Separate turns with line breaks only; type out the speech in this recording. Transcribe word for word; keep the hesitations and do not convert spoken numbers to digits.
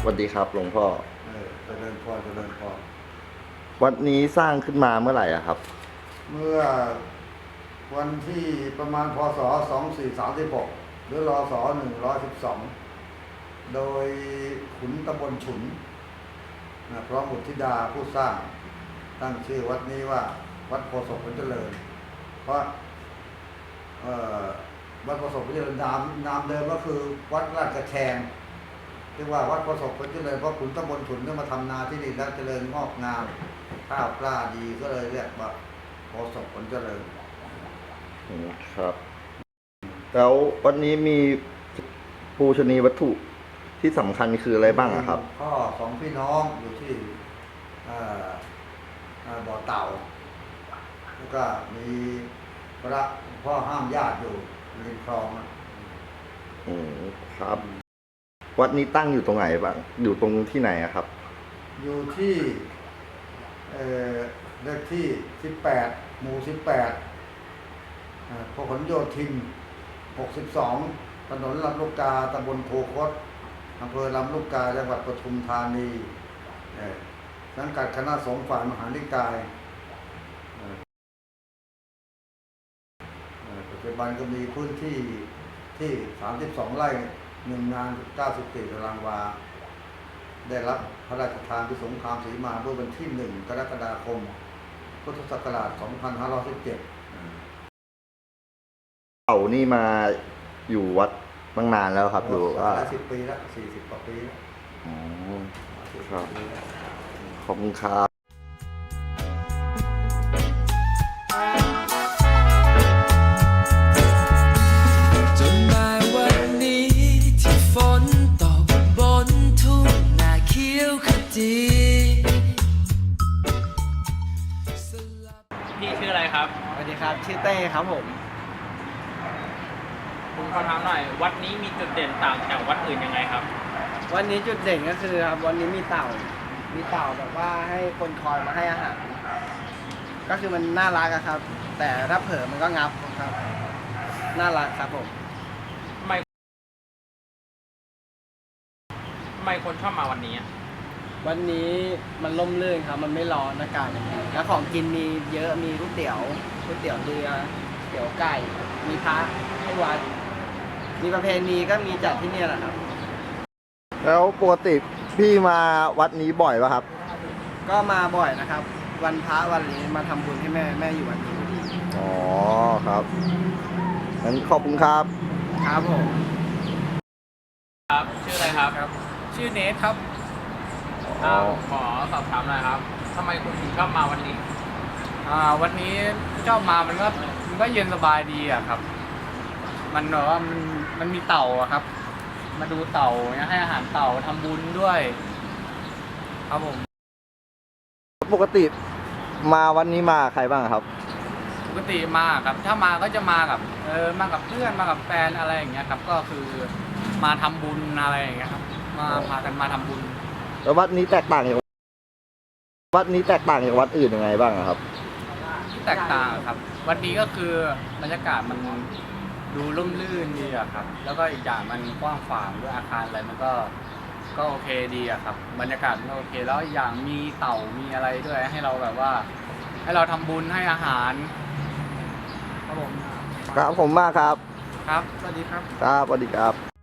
วัสดีครับหลวงพ่อ
เออเจริญพรเจริญพร
วัดนี้สร้างขึ้นมาเมื่อไหร่อะครับ
เมื่อวันที่ประมาณพศสองสี่สามสิบหกหรือรศหนึ่งร้อยสิบสองโดยขุนตำบลฉุนนะพร้อมบุตรธิดาผู้สร้างตั้งชื่อวัดนี้ว่าวัดโพธิ์ศพผลเจริญเพราะวัดโพธิ์ศพผลเจริญนามนามเดิมก็คือวัดราชกระแชงเรียกว่าวัดโพธิ์ศพผลเจริญเพราะขุนตำบลฉุนได้มาทำนาที่นี่แล้วเจริญงอกงามข้าวปลาดีก็เลยเรียกว่าโพธิ์ศพผลเจริญ
ครับแล้ววันนี้มีปูชนียวัตถุที่สำคัญคืออะไรบ้างอะครับ
พ่อสองพี่น้องอยู่ที่บ่อเต่าแล้วก็มีพระพ่อห้ามญาติอยู่ริมคลอง
อืมครับวัดนี้ตั้งอยู่ตรงไหนบ้างอยู่ตรงที่ไหนอะครับ
อยู่ที่เลขที่สิบแปดหมู่สิบแปดพหลโยธินหกสิบสองถนนลำลูกกาตำบลโพคดอำเภอลำลูกกาจังหวัดปทุมธานีสังกัดคณะสงฆ์ฝ่ายมหานิกายปัจจุบันก็มีพื้นที่ที่สามสิบสองไร่หนึ่งงานเก้าสิบสี่ตารางวาได้รับพระราชทานที่สงครามศรีมาเมื่อวันที่หนึ่งกรกฎาคมพุทธศักราชสองพันห้าร้อยสิบเจ็ด
เต่านี่มาอยู่วัดตั้งนานแล้วครับอยู่
ว่าสิบปีแล้วสี่สิบกว่าปีแล้ว
อ๋อครับขอบคุณครับ
จนมาวันนี้ที่ฝนตกบนทุ่งนาเขียวขจี
พี่ชื่ออะไรครับ
สวัสดีครับชื่อเต้ครับผม
ผมขอถามหน่อยวัดนี้มีจุดเด่นต่างจากวัดอื่นยังไงครับ
วันนี้จุดเด่นก็คือครับวันนี้มีเต่ามีเต่าแบบว่าให้คนคอยมาให้อาหารก็คือมันน่ารักครับ แต่ถ้าเผลอมันก็งับครับน่ารักครับผม
ทำไมทำไมคนชอบมาวันนี้
วันนี้มันร่มรื่นครับมันไม่ร้อนอากาศอย่างนี้แล้วของกินมีเยอะมีก๋วยเตี๋ยวก๋วยเตี๋ยวเรือเตี๋ยวไก่มีพระให้วัดมีประเพณีก็มีจัดที่นี่แหละครับ
แล้วปกติพี่มาวัดนี้บ่อยป่ะครับ
ก็มาบ่อยนะครับวันพระวันนี้มาทำบุญให้แม่แม่อยู่วันนี้
อ๋อครับงั้นขอบคุณครับ
ครับผม
ครับชื่ออะไรครับ
ครับชื่อเนทครับ
ขอสอบถามหน่อยครับทำไมคุณถึงชอบมาวันนี้
อ่าวันนี้ชอบมามันก็มันก็เย็นสบายดีอะครับมันแบบว่ามันมันมีเต่าอะครับมาดูเต่าเนี่ยให้อาหารเต่าทำบุญด้วยครับผม
ปกติมาวันนี้มาใครบ้างครับ
ปกติมาครับถ้ามาก็จะมากับเออมากับเพื่อนมากับแฟนอะไรอย่างเงี้ยครับก็คือมาทำบุญอะไรอย่างเงี้ยครับมาพากันมาทำบุญ
แล้ววัดนี้แตกต่างจากวัดนี้แตกต่างจากวัดอื่นยังไงบ้างครับ
ที่แตกต่างครับวัดนี้ก็คือบรรยากาศมันดูร่มรื่นดีอะครับแล้วก็อีกอย่างมันกว้างขวางด้วยอาคารอะไรมันก็ก็โอเคดีอะครับบรรยากาศมันโอเคแล้วอีกอย่างมีเต่ามีอะไรด้วยให้เราแบบว่าให้เราทำบุญให้อาหารครับผม
ครับผมมากครับ
ครับสวัสดีครับ
ครับสวัสดีครับ